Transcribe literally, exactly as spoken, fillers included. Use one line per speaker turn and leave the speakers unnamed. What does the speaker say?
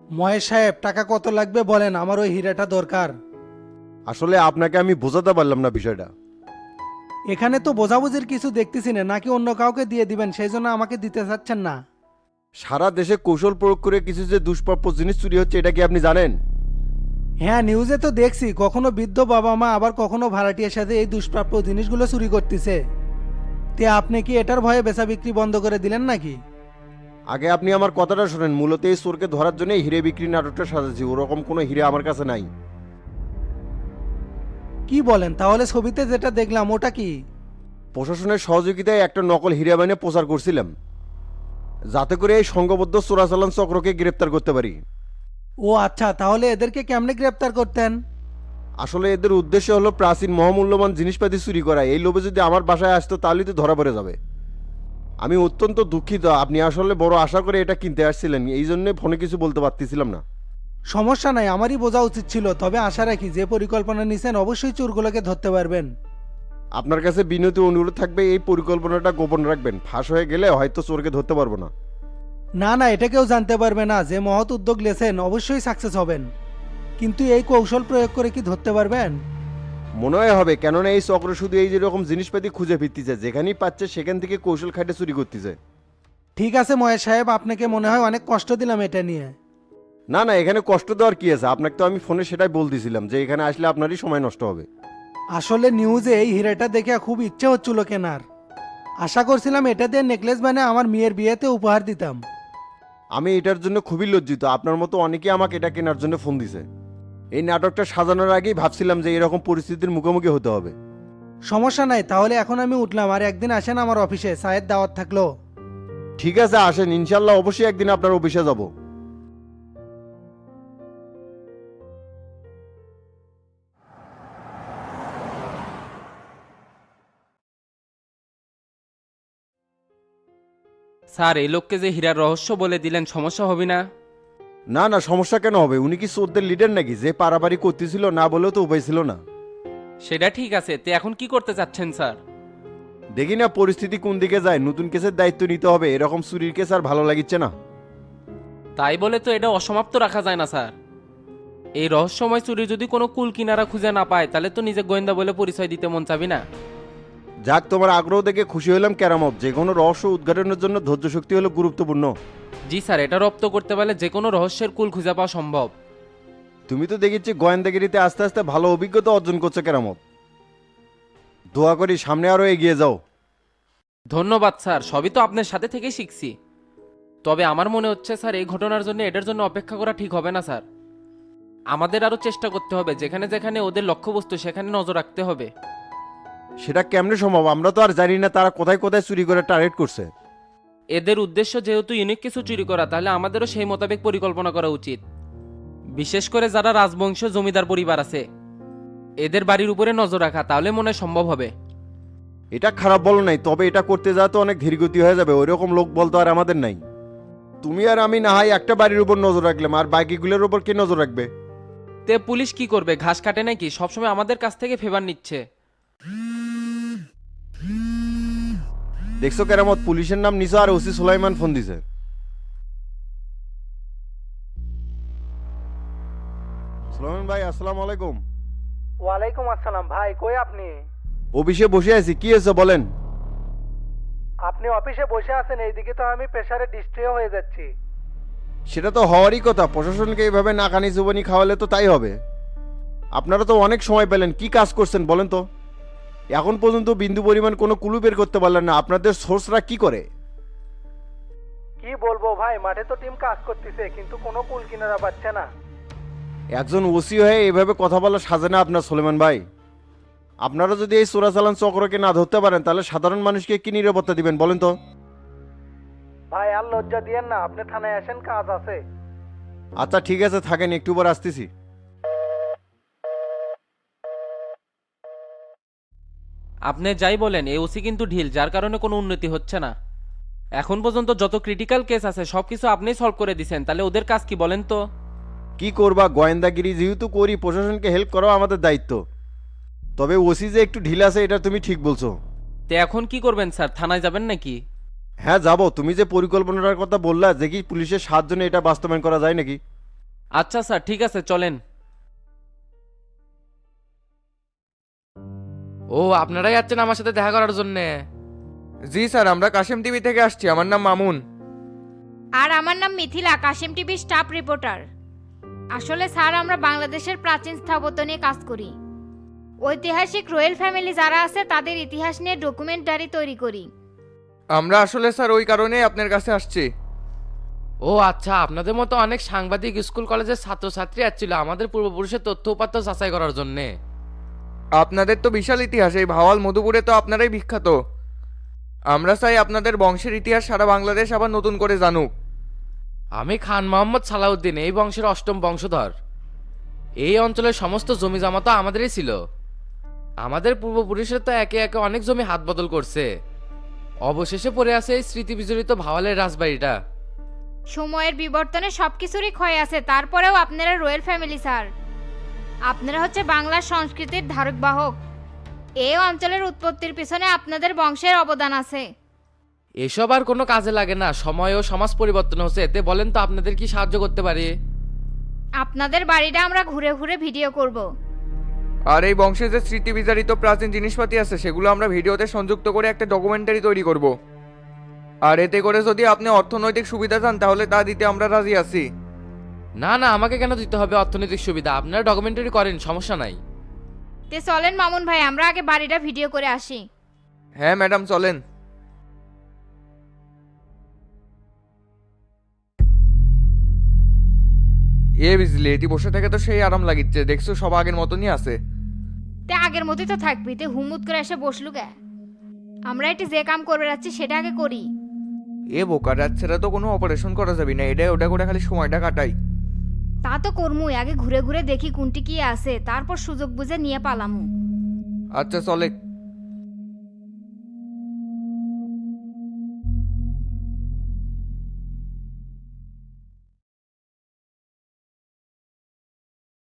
মহেশ সাহেব, টাকা কত লাগবে বলেন, আমার ওই হীরাটা দরকার।
আসলে আপনাকে আমি বোঝাতে পারলাম না বিষয়টা।
এখানে তো বোঝাবুঝির কিছু দেখতেছি না, নাকি অন্য কাউকে দিয়ে দিবেন সেই জন্য আমাকে দিতে চাচ্ছেন না?
সারা দেশে কৌশল প্রয়োগ করে কিছু যে দুষ্প্রাপ্য জিনিস চুরি হচ্ছে এটা কি আপনি জানেন?
হ্যাঁ, নিউজে তো দেখছি, কখনো বৃদ্ধ বাবা মা আবার কখনো ভাড়াটিয়ার সাথে এই দুষ্প্রাপ্য জিনিসগুলো চুরি করতেছে। তে আপনি কি এটার ভয়ে বেচা বিক্রি বন্ধ করে দিলেন নাকি?
আগে আপনি আমার কথাটা শোনেন। মূলত এই চোরকে ধরার জন্য হিরে বিক্রি নাটকটা সাজাচ্ছি। ওরকম কোনো হিরে আমার কাছে নাই।
কি বলেন? তাহলে ছবিতে যেটা দেখলাম ওটা কি?
প্রশাসনের সহযোগিতায় একটা নকল হিরে বানিয়ে প্রচার করছিলাম, যাতে করে এই সংঘবদ্ধ চোরাচালান চক্রকে গ্রেপ্তার করতে পারি।
ও আচ্ছা, তাহলে এদেরকে কেমনে গ্রেপ্তার করতেন?
আসলে এদের উদ্দেশ্য হলো প্রাচীন মহামূল্যবান জিনিসপাতি চুরি করা। এই লোভে যদি আমার বাসায় আসতো তাহলেই তো ধরা পড়ে যাবে। আমি অত্যন্ত দুঃখিত। আপনি আসলে বড় আশা করে এটা কিনতে আসছিলেন, এই জন্য ফোনে কিছু বলতে পারতেছিলাম না।
সমস্যা নাই, আমারই বোঝা উচিত ছিল। তবে আশা রাখি যে পরিকল্পনা নিছেন অবশ্যই চোরগুলোকে ধরতে পারবেন।
আপনার কাছে বিনীত অনুরোধ থাকবে এই পরিকল্পনাটা গোপন রাখবেন। ফাঁস হয়ে গেলে হয়তো চোরকে ধরতে পারবো না।
না না, এটা কেউ জানতে পারবে না। যে মহৎ উদ্যোগ লেছেন অবশ্যই সাকসেস হবেন। কিন্তু এই কৌশল প্রয়োগ করে কি ধরতে পারবেন?
মনে হয় হবে, কেননা এই চক্র শুধু এই যেরকম জিনিসপাতি খুঁজে ফিরতেছে, যেখানেই পাচ্ছে সেখান থেকে কৌশল খাটে চুরি করতেছে।
ঠিক আছে মহেশ সাহেব, আপনাকে মনে হয় অনেক কষ্ট দিলাম এটা নিয়ে।
না না, এখানে কষ্ট দেওয়ার কি আছে? আপনাকে তো আমি ফোনে সেটাই বলতেছিলাম যে এখানে আসলে আপনারই সময় নষ্ট হবে।
আসলে নিউজে এই হীরাটা দেখে খুব ইচ্ছে হচ্ছিল কেনার। আশা করছিলাম এটা দিয়ে নেকলেস বানিয়ে আমার মেয়ের বিয়েতে উপহার দিতাম।
আমি এটার জন্য খুবই লজ্জিত। আপনার মতো অনেকেই আমাকে এটা কেনার জন্য ফোন দিছে। এই নাটকটা সাজানোর আগেই ভাবছিলাম যে এরকম পরিস্থিতির মুখোমুখি হতে হবে।
সমস্যা নাই, তাহলে এখন আমি উঠলাম। আর একদিন আসেন আমার অফিসে, চায়ের দাওয়াত থাকলো।
ঠিক আছে, আসেন। ইনশাল্লাহ অবশ্যই একদিন আপনার অফিসে যাব।
স্যার, এই লোককে যে হীরার রহস্য বলে দিলেন সমস্যা হবে না?
না না, সমস্যা কেন হবে? উনি কি চোরদের লিডার নাকি যে পারাপারি করতেছিল? না বলেও তো উপায় ছিল না।
সেটা ঠিক আছে, তে এখন কি করতে চাচ্ছেন স্যার?
দেখি না পরিস্থিতি কোন দিকে যায়। নতুন কেসের দায়িত্ব নিতে হবে। এরকম চুরির কেস আর ভালো লাগিচ্ছে না।
তাই বলে তো এটা অসমাপ্ত রাখা যায় না স্যার। এই রহস্যময় চুরি যদি কোনো কুল কিনারা খুঁজে না পায় তাহলে তো নিজে গোয়েন্দা বলে পরিচয় দিতে মন চাবি না।
যাক, তোমার আগ্রহ দেখে খুশি হলাম কেরামত। যে কোনো রহস্য উদ্ঘাটনের জন্য ধৈর্য শক্তি হলো গুরুত্বপূর্ণ।
জি স্যার, এটা রপ্ত করতে পারলে যে কোনো রহস্যের কুল খুঁজে পাওয়া সম্ভব।
তুমি তো দেখেছি গোয়েন্দাগিরিতে আস্তে আস্তে ভালো অভিজ্ঞতা অর্জন করছো কেরামত। দোয়া করি সামনে আরো এগিয়ে যাও।
ধন্যবাদ স্যার, সবই তো আপনার সাথে থেকেই শিখছি। তবে আমার মনে হচ্ছে স্যার এই ঘটনার জন্য এটার জন্য অপেক্ষা করা ঠিক হবে না স্যার। আমাদের আরও চেষ্টা করতে হবে, যেখানে যেখানে ওদের লক্ষ্যবস্তু সেখানে নজর রাখতে হবে।
সেটা কেমনে সম্ভব? আমরা তো আর জানি না তারা কোথায় কোথায় চুরি করে টার্গেট করছে।
এদের উদ্দেশ্য যেহেতু ইউনিক কিছু চুরি করা, তাহলে আমাদেরও সেই মোতাবেক পরিকল্পনা করা উচিত। বিশেষ করে যারা রাজবংশ জমিদার পরিবার আছে এদের বাড়ির উপরে নজর রাখা, তাহলে মনে হয় সম্ভব হবে।
এটা খারাপ বলো নাই, তবে এটা করতে যাওয়া তো অনেক ধীরগতি হয়ে যাবে। ওই রকম লোক বলতো আর আমাদের নাই। তুমি আর আমি না হয় একটা বাড়ির উপর নজর রাখলাম, আর বাকিগুলোর উপর কে নজর রাখবে?
তে পুলিশ কি করবে? ঘাস কাটে নাকি? সবসময় আমাদের কাছ থেকে ফেভার নিচ্ছে।
দেখছো কেরামত, পুলিশের নাম নিসা আর ওসি সুলাইমান ফোন দিছে। সুলাইমান ভাই, আসসালামু আলাইকুম।
ওয়ালাইকুম আসসালাম। ভাই কই আপনি?
অফিসে বসে আছি। কি হয়েছে বলেন।
আপনি অফিসে বসে আছেন, এইদিকে তো আমি প্রেসারে ডিস্ট্রিও হয়ে যাচ্ছি।
সেটা তো হওয়ারই কথা। প্রশাসনকে এইভাবে নাকানি জুবানি খাওয়ালে তো তাই হবে। আপনারা তো অনেক সময় পেলেন, কি কাজ করছেন বলেন তো? এখন পর্যন্ত বিন্দু পরিমাণ কোনো কুলু বের করতে পারলেন না। আপনাদের সোর্সরা কি করে?
কি বলবো ভাই, মাঠে তো টিম কাজ করতেছে কিন্তু কোনো কুল কিনারা পাচ্ছে না।
একজন ওসি হয়ে এভাবে কথা বলা সাজে না আপনার সুলেমান ভাই। আপনারা যদি এই চোরাচালান চক্রকে না ধরতে পারেন তাহলে সাধারণ মানুষকে কি নিরাপত্তা দিবেন বলেন তো?
ভাই আর লজ্জা দিয়েন না, আপনি থানায় আসেন, কাজ আছে।
আচ্ছা ঠিক আছে, থাকেন, একটু পর আসতেছি।
আপনি যাই বলেন, এই ওসি কিন্তু ঢিল, যার কারণে কোনো উন্নতি হচ্ছে না। এখন পর্যন্ত যত ক্রিটিক্যাল কেস আছে সবকিছু আপনিই সলভ করে দিছেন, তাহলে ওদের কাজ কি বলেন তো?
কি করবা, গোয়েন্দাগিরি যেহেতু করি, প্রশাসনকে হেল্প করাও আমাদের দায়িত্ব। তবে ওসি যে একটু ঢিল আছে এটা তুমি ঠিক বলছো।
তে এখন কি করবেন স্যার? থানায় যাবেন নাকি?
হ্যাঁ যাব। তুমি যে পরিকল্পনাটার কথা বললা, দেখি পুলিশের সাহায্য নিয়ে এটা বাস্তবায়ন করা যায় নাকি।
আচ্ছা স্যার ঠিক আছে চলেন। ও আপনারাই যাচ্ছেন আমার সাথে দেখা করার জন্যে?
জি স্যার, আমরা কাশেম টিভি থেকে আসছি। আমার নাম মামুন।
আর আমার নাম মিথিলা, কাশেম টিভির স্টাফ রিপোর্টার। আসলে স্যার আমরা বাংলাদেশের প্রাচীন স্থাপত্য নিয়ে কাজ করি। ঐতিহাসিক রয়্যাল ফ্যামিলি যারা আছে তাদের ইতিহাস নিয়ে ডকুমেন্টারি তৈরি করি।
আমরা আসলে স্যার ওই কারণেই আপনার কাছে আসছি।
ও আচ্ছা, আপনাদের মতো অনেক সাংবাদিক স্কুল কলেজের ছাত্রছাত্রী আসছিল আমাদের পূর্বপুরুষের তথ্য উপাত্ত যাচাই করার জন্যে।
আপনাদের তো বিশাল ইতিহাস, এই ভাওয়াল মধুপুরে তো আপনারাই বিখ্যাত। আমরা চাই আপনাদের বংশের ইতিহাস সারা বাংলাদেশ আবার নতুন করে জানুক।
আমি খান মোহাম্মদ সালাউদ্দিন, এই বংশের অষ্টম বংশধর। এই অঞ্চলের সমস্ত জমি জমা তো আমাদেরই ছিল। আমাদের পূর্বপুরুষের তো একে একে অনেক জমি হাত বদল করছে, অবশেষে পড়ে আছে এই স্মৃতি বিজড়িত ভাওয়ালের রাজবাড়িটা।
সময়ের বিবর্তনে সবকিছুরই ক্ষয় আছে, তারপরেও আপনারা রয়্যাল ফ্যামিলি স্যার। আপনারা হচ্ছে বাংলার সংস্কৃতির ধারক বাহক। এই অঞ্চলের উৎপত্তির পিছনে আপনাদের বংশের অবদান আছে।
এসব আর কোনো কাজে লাগে না, সময় ও সমাজ পরিবর্তন হচ্ছে। এতে বলেন তো আপনাদের কি সাহায্য করতে পারি?
আপনাদের বাড়িটা আমরা ঘুরে ঘুরে ভিডিও করব।
আর এই বংশের যে স্মৃতি বিজারিত প্রাচীন জিনিসপাতি আছে সেগুলো আমরা ভিডিওতে সংযুক্ত করে একটা ডকুমেন্টারি তৈরি করব। আর এতে করে যদি আপনি অর্থনৈতিক সুবিধা চান তাহলে তা দিতে আমরা রাজি আছি।
না না, আমাকে কেন দিতে হবে অর্থনৈতিক সুবিধা? আপনারা ডকুমেন্টারি করেন, সমস্যা নাই।
তে চলেন মামুন ভাই, আমরা আগে বাড়িটা ভিডিও করে আসি।
হ্যাঁ ম্যাডাম চলেন। এ বিজলি, এটি বসে থেকে তো সেই আরাম লাগিচ্ছে, দেখছো সব আগের মতনই আছে।
তে আগের মতোই তো থাকবি, তে হুমুত করে এসে বসলু কে? আমরা এটি যে কাম করবে যাচ্ছি সেটা আগে করি।
এ বোকা, রাতছেড়া তো কোনো অপারেশন করা যাবে না, এটা ওটা করে খালি সময়টা কাটাই।
তা তো করমুই, আগে ঘুরে ঘুরে দেখি কোনটি কি আছে, তারপর সুযোগ বুঝে নিয়ে পালামু।
আচ্ছা চলে।